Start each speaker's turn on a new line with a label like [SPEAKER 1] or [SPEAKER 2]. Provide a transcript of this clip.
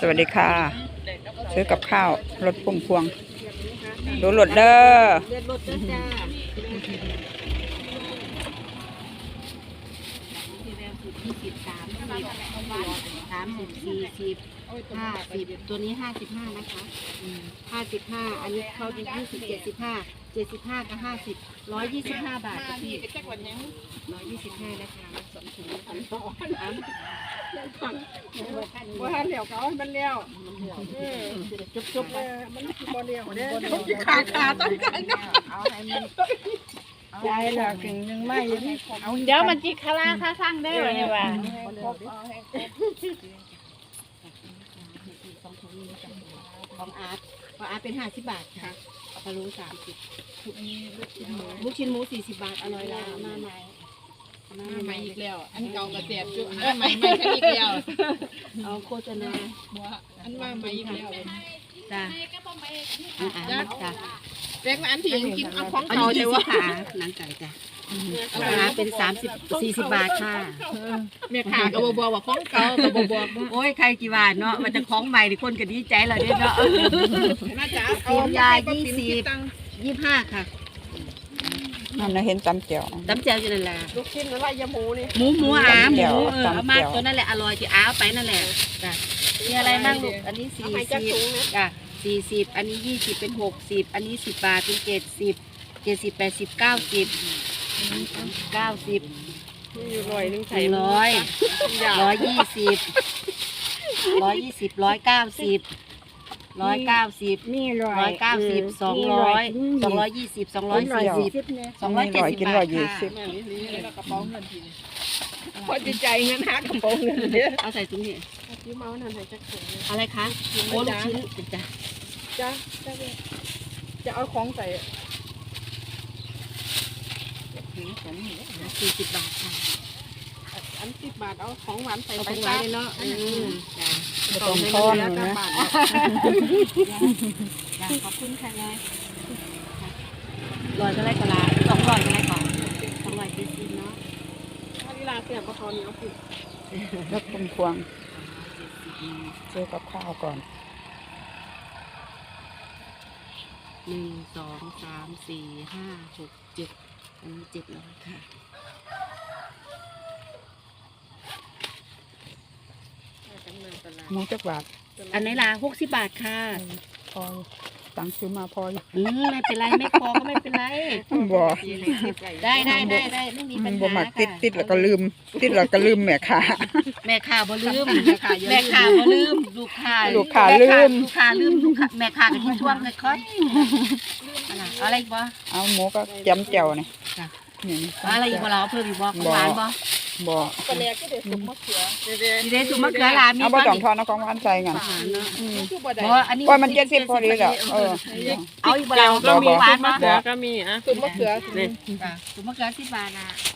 [SPEAKER 1] สวัสดีค่ะซื้อกับข้าวรถพุ่มพวงดูรถเด้อ
[SPEAKER 2] เลือดรถเด้อจ้า30 40 50ตัวนี้55นะคะ55อันนี้เขาดี20 75กับ50 125 บาทจ้ะพี่125นะคะ2ถุง
[SPEAKER 3] ว่าเหลียวเขามันเลี้ยวจุบมันบ่เลี้ยวเด้อขาต้องการเอาให้มันใจหลักยังไม่
[SPEAKER 2] เดี๋ยวมันจิคาราค่าสร้างได้เลยว่าของอาร์ตเป็น50 บาทค่ะปลาลู30ลูกชิ้นหมู40 บาทอร่อยแล้วมาใหม่
[SPEAKER 3] อีกแล้วอันเก่ากระเจี๊ยบจุใหม่แค่อีกแล้ว
[SPEAKER 2] เอาโฆษณา
[SPEAKER 3] อันว่าใหม่อีกแล้ว
[SPEAKER 2] จ้าจ้า
[SPEAKER 3] เล็กอันที่กินเอาของเก่าใช่ว่า
[SPEAKER 2] หนังไก่จ้ะราเป็น40 บาทค่ะ
[SPEAKER 3] แม่ค้าก็บอกว่าของเก่าก็บอก
[SPEAKER 2] โอ้ยใครกี่บาทเนาะมันจะของใหม่ที่คนก็ดีใจเราเนี่ยเนาะ
[SPEAKER 3] น่าจะ
[SPEAKER 2] เอายา25ค่ะ
[SPEAKER 1] นั่นนะเห็นตำเจียว
[SPEAKER 2] อยู่นั่นแหละ
[SPEAKER 3] ลูกชิ้นอะไรยำหมูนี่
[SPEAKER 2] หมูหมูเอามาตัวนั่นแหละอร่อยที่อ้าวไปนั่นแหละจ้ะมีอะไรบ้างลูกอันนี้40จ้ะ40อันนี้20เป็น60อันนี้10 บาทเป็น70 80 90
[SPEAKER 3] 100ใส่
[SPEAKER 2] 120 190
[SPEAKER 3] นี่
[SPEAKER 2] 190 200 220 240 270
[SPEAKER 1] กิน120
[SPEAKER 3] กระเป๋าเงินทีนี้พอจะใจเงินหากระเป๋าเงินเนี่ย
[SPEAKER 2] เอาใส่ถุงนี่
[SPEAKER 3] ยิ้มเอานั่นใส่จักร
[SPEAKER 2] อะไรคะโอ้ลูกชิ้นจ้ะ
[SPEAKER 3] จะเอาของใส่
[SPEAKER 2] 40 บาทค่ะ
[SPEAKER 3] อัน10 บาทเอาของหวานใส่
[SPEAKER 2] ไปไว้เลยเนาะจ้ะ
[SPEAKER 1] ต้องทอนนะ
[SPEAKER 2] ขอบคุณค่ะยาย100ก็ได้ก็ละ200ก็ได้ก่อน270เนาะ
[SPEAKER 3] ถ้าเวลาเสียบก็ทอนเอาผิด
[SPEAKER 1] รถพุ่มพวงซื้อกับข้าวก่อน
[SPEAKER 2] 1 2 3 4 5 6 7อันนี้700ค่ะ
[SPEAKER 1] หมูจักบาท
[SPEAKER 2] อันไหนล่ะ60 บาทค่ะ
[SPEAKER 1] พอตังซื้อมาพอ
[SPEAKER 2] ไม่เป็นไรไม่พอก็ไม่เป็นไร
[SPEAKER 1] บ่
[SPEAKER 2] ได้ไม่มีปัญหา
[SPEAKER 1] บ่มักติดแล้วก็ลืมแม่ค้า
[SPEAKER 2] บ่ลืมแม่ค้าบ่ลืมลูกค้า
[SPEAKER 1] ลืม
[SPEAKER 2] แม่ค้าก็ที่ช่วงค่อยเอาอะไรอีกบ่
[SPEAKER 1] เอาหมูก็จำแจ่วนี่
[SPEAKER 2] อะไรอีกบ่เราเพิ่มอีกบ่ของหวานบ่
[SPEAKER 3] กระเลียก็เด็ดสุกมะเขือ
[SPEAKER 2] เด็ดสุกมะเขือล่ะมี
[SPEAKER 1] เอาบ่ต้องทอนเอาของหวานใส่งั้น
[SPEAKER 2] อันนี้
[SPEAKER 1] มัน70พอดีแล้ว
[SPEAKER 2] เอาอีกบ่เรา
[SPEAKER 3] ก็มี
[SPEAKER 2] หวาน
[SPEAKER 3] มะเขือก็มีสุกมะเขือ
[SPEAKER 2] สุกมะเขือ10 บาทนะ